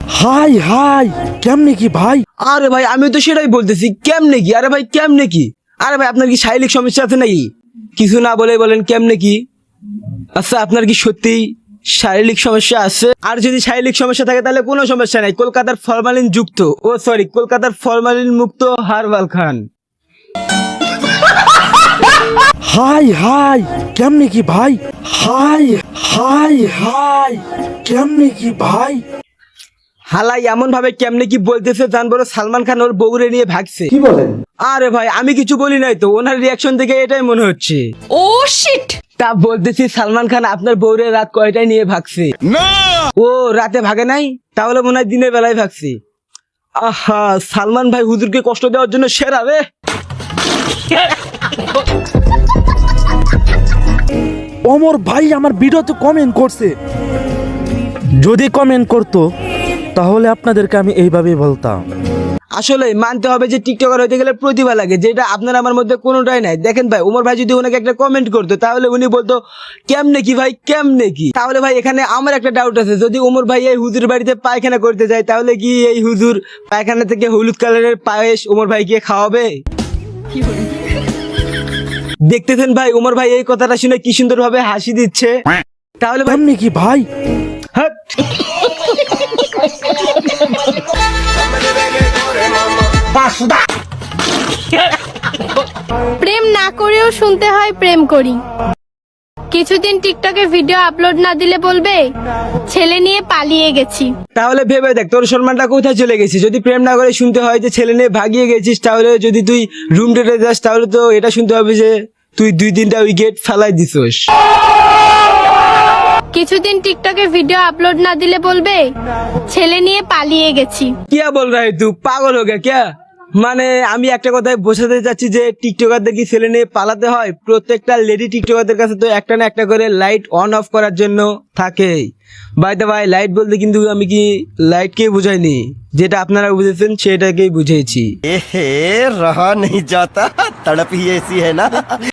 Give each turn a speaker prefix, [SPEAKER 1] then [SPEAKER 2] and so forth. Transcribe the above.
[SPEAKER 1] High high কেমনে কি ভাই?
[SPEAKER 2] আরে ভাই আমি তো সেটাই বলতেছি, কেমনে কি? আরে ভাই কেমনে কি? আরে ভাই আপনার কি শারীরিক সমস্যা আছে নাকি? কিছু না বলে বলেন কেমনে কি? আচ্ছা আপনার কি সত্যি শারীরিক সমস্যা আছে? আর যদি শারীরিক সমস্যা থাকে তাহলে কোনো সমস্যা নাই, কলকাতার ফরমালিন যুক্ত কলকাতার ফরমালিন মুক্ত হার্বাল খান।
[SPEAKER 1] হাই হাই কেমনে কি ভাই? হাই হাই হাই কেমনে কি ভাই?
[SPEAKER 2] হালাই এমন ভাবে কেমনে কি বলতেছে জানবো সালমান খান ওর বউরে নিয়ে ভাগছে।
[SPEAKER 1] কি বলেন?
[SPEAKER 2] আরে ভাই আমি কিছু বলি নাই তো, ওনার রিয়াকশন থেকে এটাই মনে হচ্ছে।
[SPEAKER 3] Oh shit.
[SPEAKER 2] তা বলতেছি সালমান খান আপনার বউরে রাত কয়টায় নিয়ে ভাগছে? ও রাতে ভাগে নাই, তাহলে মনে হয় দিনের বেলায় ভাগছে। আহা সালমান ভাই হুজুরকে কষ্ট দেওয়ার জন্য সেরা রে।
[SPEAKER 1] ওমর ভাই আমার ভিডিওতে কমেন্ট করছে, যদি কমেন্ট করতো তাহলে আপনাদেরকে আমি এইভাবেই বলতাম।
[SPEAKER 2] আসলে মানতে হবে যে টিকটকার হইতে গেলে প্রতিভা লাগে, যেটা আপনার আমার মধ্যে কোনোটাই নাই। দেখেন ভাই ওমর ভাই যদি ওনাকে একটা কমেন্ট করতো তাহলে উনি বলতো কেমনে কি ভাই কেমনে কি। তাহলে ভাই এখানে আমার একটা ডাউট আছে, যদি ওমর ভাই এই হুজুর বাড়িতে পায়খানা করতে যায় তাহলে কি এই হুজুর পায়খানা থেকে হলুদ কালারের পায়েস ওমর ভাইকে খাওয়াবে? দেখতেছেন ভাই ওমর ভাই এই কথাটা শুনে কি সুন্দর ভাবে হাসি দিচ্ছে। তাহলে ভাই
[SPEAKER 1] কেমনে কি ভাই?
[SPEAKER 2] হাট।
[SPEAKER 4] প্রেম না করেও শুনতে হয় প্রেম করি। কিছুদিন টিকটকে ভিডিও আপলোড না দিলে বলবে ছেলে নিয়ে পালিয়ে গেছি।
[SPEAKER 2] তাহলে ভেবে দেখ তোর সম্মানটা কোথায় চলে গেছে। যদি প্রেম না করে শুনতে হয় যে ছেলে নিয়ে ভাগিয়ে গেছিস, তাহলে যদি তুই রুম ডেটে যাস তাহলে তো এটা শুনতে হবে যে তুই 2-3টা উইকেট ফেলাই দিছস।
[SPEAKER 4] কিছুদিন টিকটকে ভিডিও আপলোড না দিলে বলবে ছেলে নিয়ে পালিয়ে গেছি।
[SPEAKER 2] क्या बोल रहा है तू, পাগল हो गया क्या? মানে আমি একটা কথাই বোঝাতে চাচ্ছি যে টিকটকারদের কি ছেলে নিয়ে পালাতে হয়? প্রত্যেকটা লেডি টিকটকারদের কাছে তো একটা না একটা করে লাইট অন অফ করার জন্য থাকে। বাই দ্য ভাই লাইট বলতে কিন্তু আমি কি লাইটকে বুঝাইনি, যেটা আপনারা বুঝেছেন সেটাকেই বুঝিয়েছি।
[SPEAKER 5] रहा नहीं जाता, तड़प ही ऐसी है ना।